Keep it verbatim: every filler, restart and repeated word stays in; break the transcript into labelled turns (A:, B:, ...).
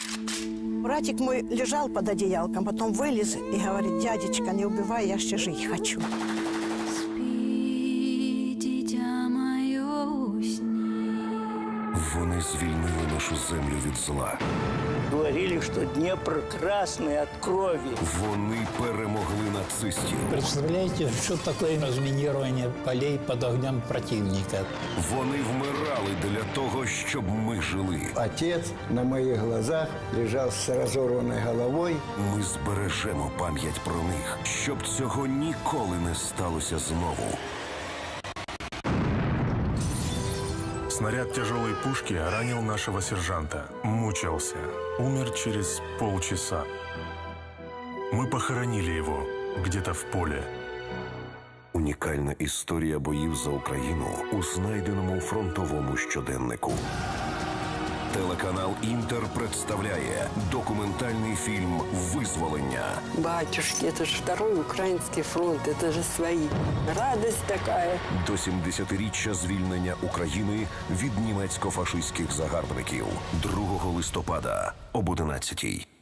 A: Братик мой лежал под одеялком, потом вылез и говорит: дядечка, не убивай, я еще жить хочу.
B: Вони звільнили нашу землю від зла.
C: Говорили, что Днепр красный от крови.
B: Вони перемогли нацистів.
D: Представляете, что такое разминирование полей под огнем противника?
B: Вони вмирали для того, щоб ми жили.
E: Отец на моих глазах лежал с разорванной головой.
B: Ми збережемо пам'ять про них, щоб цього ніколи не сталося знову.
F: Снаряд тяжелой пушки ранил нашего сержанта. Мучился. Умер через полчаса. Мы похоронили его где-то в поле.
B: Унікальна історія боїв за Україну у знайденому фронтовому щоденнику. Телеканал «Інтер» представляє документальний фільм «Визволення».
G: Батюшки, это же второй украинский фронт, это же свои. Радость такая.
B: До сімдесятиріччя звільнення України від німецько-фашистських загарбників. другого листопада об одинадцятій.